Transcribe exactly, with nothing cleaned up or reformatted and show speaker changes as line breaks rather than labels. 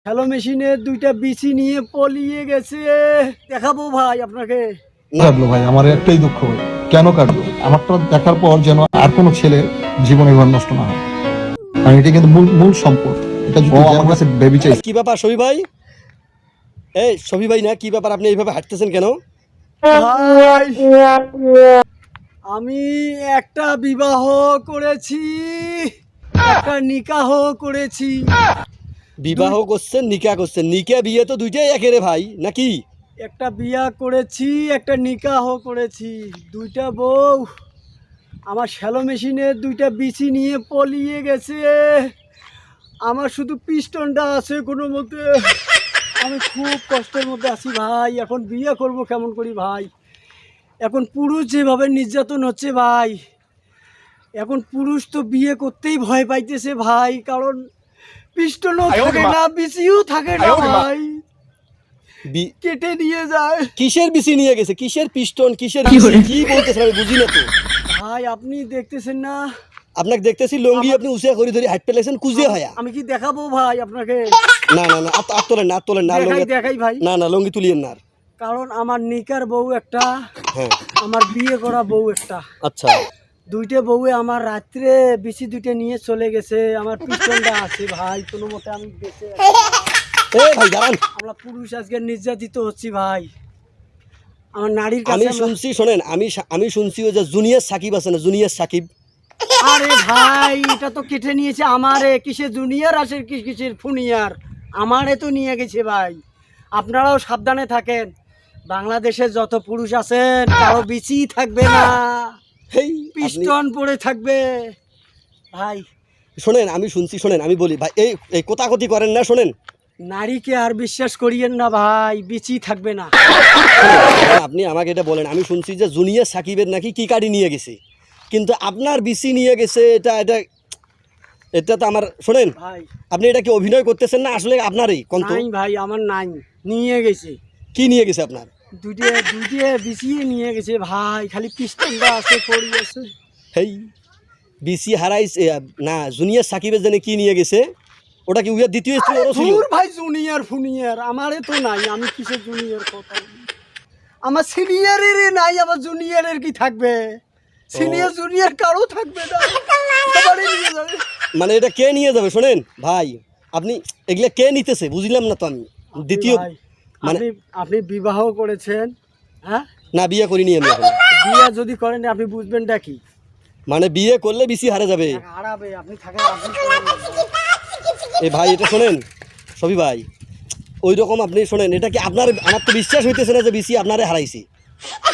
Hello মেশিনের দুইটা বিচি নিয়ে পলিয়ে গেছে। দেখাবো ভাই আপনাকে।
কাটলো ভাই, আমার একটাই দুঃখ ভাই, কেন কাটলো? আমারটা দেখার পর যেন আর কোনো ছেলে জীবনে ঘর নষ্ট না হয়, কারণ এটা কিন্তু মূল মূল সম্পদ। এটা যদি আমার কাছে বেবি চাই।
কি ব্যাপার সবি ভাই? এই সবি ভাই না, কি ব্যাপার আপনি এইভাবে হাঁটতেছেন কেন?
ভাই, আমি একটা বিবাহ করেছি, একটা নিকাহ করেছি।
বিবাহ করছেন, নিকা করছেন? নিকা বিয়ে তো দুইটাই একেরে ভাই, নাকি?
একটা বিয়া করেছি, একটা নিকাহ করেছি। দুইটা বউ আমার শ্যালো মেশিনের দুইটা বিচি নিয়ে পলিয়ে গেছে। আমার শুধু পিস্টনটা আছে কোনো মতে। আমি খুব কষ্টের মধ্যে আছি ভাই। এখন বিয়ে করব কেমন করি ভাই? এখন পুরুষ যেভাবে নির্যাতন হচ্ছে ভাই, এখন পুরুষ তো বিয়ে করতেই ভয় পাইতেছে ভাই, কারণ পিস্টনও থাকে না, বিচিও থাকে না ভাই,
বি-
কেটে নিয়ে যায়।
কিসের বিসি নিয়ে গেছে? কিসের পিস্টন, কিসের বিসি? কি বলতেছেন আমি বুঝি না তো।
ভাই আপনি দেখতেছেন না?
আপনাকে দেখতেছি লঙ্গি আপনি উঁচিয়া করে ধরে হাঁট পেলেছেন কুজিয়া হয়া।
আমি কি দেখাবো ভাই আপনাকে?
না না না, আত- আত তোলেন না, আত তোলেন না,
দেখাই
লঙ্গি
দেখাই ভাই।
না না, লঙ্গি তুলিয়েন না আর।
কারণ আমার নিকার বউ একটা,
হ্যাঁ
আমার বিয়ে করা বউ একটা।
আচ্ছা,
দুইটা বউয়ে আমার রাত্রে বিচি দুইটা নিয়ে চলে গেছে। আমার পিছনটা আছে ভাই, কোনো মতে আমি বেঁচে আছি।
এ ভাই দাঁড়ান।
আমরা পুরুষ আজকে নির্যাতিত হচ্ছি ভাই। আমার নারীর
আমি
কাছে আমরা-
শুনছি, শোনেন, আমি শা- আমি শুনছি ওই যে জুনিয়র সাকিব আছে না, জুনিয়র সাকিব।
আরে ভাই, এটা তো কেটে নিয়েছে আমারে। কিসে জুনিয়র আসে, কি কিসের ফুনিয়ার, আমারে তো নিয়ে গেছে ভাই। আপনারাও সাবধানে থাকেন। বাংলাদেশে যত পুরুষ আছেন কারো বিচি থাকবে না,
হেই আপনি-
পিস্টন পড়ে থাকবে ভাই।
শোনেন, আমি শুনছি, শোনেন আমি বলি ভাই, এই এই কোতাকতি করেন না, শোনেন।
নারীকে আর বিশ্বাস করিয়েন না ভাই, বিচি থাকবে না।
শোনেন, আপনি আমাকে এটা বলেন। আমি শুনছি যে জুনিয়র সাকিবের নাকি কি কার্ডই নিয়ে গেছে, কিন্তু আপনার বিসি নিয়ে গেছে। এটা এটা এটা তো আমার, শোনেন,
ভাই
আপনি এটা কি অভিনয় করতেছেন না আসলে আপনারই কন্ত?
নাই ভাই, আমার নাই, নিয়ে গেছে।
কি নিয়ে গেছে আপনার?
দুইটা দুইটা বিচিয়ে নিয়ে গেছে ভাই, খালি পিস্টনটা আছে পড়ি আছে।
হেই বিসি হারাইছে না, জুনিয়র সাকিবের জন্য কি নিয়ে গেছে? ওটা কি উইয়ার দ্বিতীয় স্ত্রী ওরও ছিল?
দূর ভাই, জুনিয়র ফুনিয়র আমারে তো নাই। আমি কিসের জুনিয়র কথা বলি? আমার সিনিয়রের নাই, আমার জুনিয়রের কি থাকবে? সিনিয়র জুনিয়র কারো থাকবে না, সবারই নিয়ে যাবে।
মানে এটা কে নিয়ে যাবে? শোনেন ভাই, আপনি এগুলা কে নিতেছে বুঝলাম না তো আমি। দ্বিতীয়
ভাই,
মানে
আপনি আপনি বিবাহ করেছেন, হ্যাঁ?
না, বিয়ে করিনি আমি এখন।
বিয়ে যদি করেন আপনি বুঝবেনটা কি?
মানে বিয়ে করলে বিসি হারা যাবে।
হারাবে। আপনি থাকেন, আপনি করেন না।
এ ভাই এটা শোনেন সবই ভাই, ওই রকম আপনি শোনেন, এটা কি আপনার, আমার তো বিশ্বাস হইতেছে না যে বিসি আপনারে হারাইছি।